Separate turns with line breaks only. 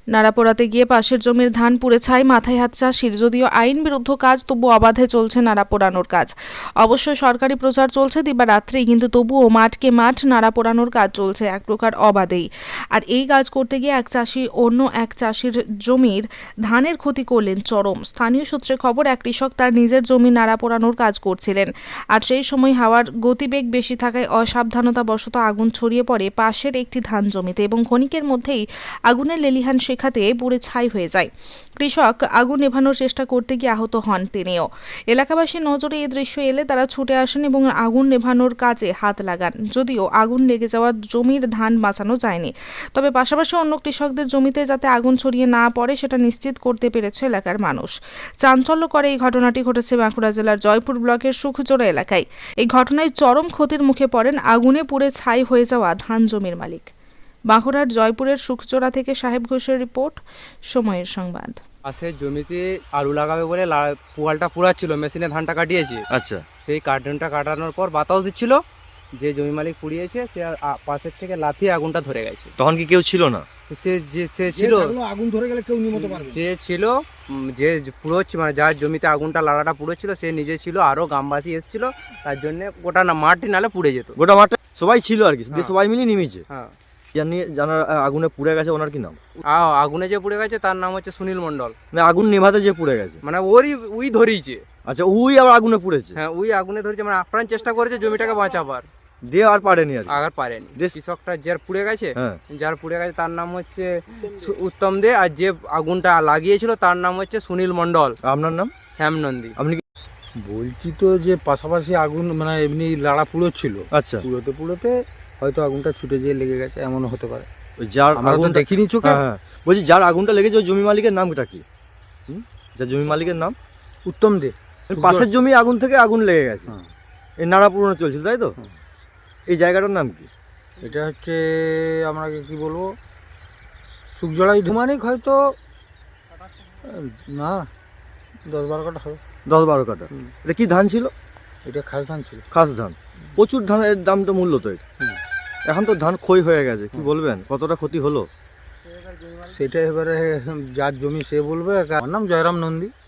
নাড়াপোড়াতে গিয়ে পাশের জমির ধান পুড়ে ছাই, মাথায় হাত চাষির। যদিও আইন বিরুদ্ধ কাজ, তবু অবাধে চলছে নাড়া পোড়ানোর কাজ। অবশ্য সরকারি প্রচার চলছে দিবারাত্রি, কিন্তু তবুও মাঠকে মাঠ নাড়া পোড়ানোর কাজ চলছে এক প্রকার অবাধেই। আর এই কাজ করতে গিয়ে এক চাষি অন্য এক চাষির জমির ধানের ক্ষতি করলেন চরম। স্থানীয় সূত্রে খবর, এক কৃষক তার নিজের জমি নাড়া পোড়ানোর কাজ করছিলেন, আর সেই সময় হাওয়ার গতিবেগ বেশি থাকায় অসাবধানতাবশত আগুন ছড়িয়ে পড়ে পাশের একটি ধান জমিতে এবং ক্ষণিকের মধ্যেই আগুনের লেলিহান শেখাতে পুড়ে ছাই হয়ে যায়। কৃষক আগুন নেভানোর চেষ্টা করতে গিয়ে আহত হন তিনিও। এলাকাবাসীর নজরে এই দৃশ্য এলে তারা ছুটে আসেন এবং আগুন নেভানোর কাজে হাত লাগান। যদিও আগুন লেগে যাওয়া জমির ধান বাঁচানো যায়নি, তবে পাশাপাশি অন্য কৃষকদের জমিতে যাতে আগুন ছড়িয়ে না পড়ে সেটা নিশ্চিত করতে পেরেছে এলাকার মানুষ। চাঞ্চল্যকর এই ঘটনাটি ঘটেছে বাঁকুড়া জেলার জয়পুর ব্লকের সুখজোড়া এলাকায়। এই ঘটনায় চরম ক্ষতির মুখে পড়েন আগুনে পুড়ে ছাই হয়ে যাওয়া ধান জমির মালিক। বাঁকুড়ার জয়পুরের সুখচোড়া থেকে সাহেব ঘোষের রিপোর্ট, সময়ের সংবাদ।
পাশের জমিতে আলু লাগাবে বলে পুয়ালটা পুড়াচ্ছিল, মেশিনে ধানটা কাটিয়েছে।
আচ্ছা,
সেই কার্টুনটা কাটানোর পর বাতাস দিচ্ছিল, যে জমি মালিক পুড়িয়েছে সে পাশের থেকে লাফিয়ে আগুনটা ধরে গেছে।
তখন কি কেউ ছিল না?
সে ছিল,
আগুন ধরে গেলে কেউ নিমতে পারবে।
সে ছিল যে পুড়োচ্ছে, মানে যার জমিতে আগুনটা লাড়াটা পুড়েছিল সে নিজে ছিল, আরো গ্রামবাসী এসেছিল, তার জন্য গোটা না মাটি নালে পুড়ে যেত।
গোটা মাঠে সবাই ছিল আর কি,
হ্যাঁ।
সবাই মিলে নিমেছে।
হ্যাঁ,
জানার আগুনে পুড়ে গেছে, ওনার কি নাম?
আগুনে যে পুড়ে গেছে তার নাম হচ্ছে সুনীল মণ্ডল।
মানে আগুন নেভাতে যে পুড়ে গেছে,
মানে উই ধরিয়েছে।
আচ্ছা, ওই আবার আগুনে পুড়েছে।
হ্যাঁ, উই আগুনে ধরেছে, মানে আপ্রাণ চেষ্টা করেছে জমিটাকে বাঁচাবার,
দিয়ে আর পারেনি আর কি।
আগার পারেনি।
দেশ-
কৃষকটা যার পুড়ে গেছে,
হ্যাঁ,
যার পুড়ে গেছে তার নাম হচ্ছে উত্তম দে, আর যে আগুনটা লাগিয়েছিল তার নাম হচ্ছে সুনীল মণ্ডল।
আপনার নাম?
শ্যাম নন্দী।
আপনি কি?
বলছি তো যে পাশাপাশি আগুন মানে এমনি লাড়া পুড়োচ্ছিল,
আচ্ছা,
পুড়োতে পুড়োতে হয়তো আগুনটা ছুটে যেয়ে লেগে গেছে, এমনও হতে পারে।
ওই যার
আমরা তো
আগুন
দেখিনি চোখে।
হ্যাঁ, বলছি যার আগুনটা লেগেছে ওই জমি মালিকের নামটা কি? যার জমি মালিকের নাম?
উত্তম দে।
পাশের জমি আগুন থেকে আগুন লেগে গেছে,
হ্যাঁ।
এই নাড়া পুরনো চলছিল, তাই তো?
হুম।
এই জায়গাটার নাম কি?
এটা হচ্ছে আপনাকে কি বলবো, সুখজড়াই ধুমানিক হয়তো না 10-12 কাঠা হবে।
10-12 কাঠা।
হুম।
এটা কি ধান ছিল?
এটা খাস ধান ছিল।
খাস ধান। প্রচুর ধানের দাম তো, মূল্য তো এর।
হুম।
এখন তো ধান ক্ষয় হয়ে গেছে, কি বলবেন কতটা ক্ষতি হলো?
সেটা এবারে যার জমি সে বলবে। আমার নাম জয়রাম নন্দী।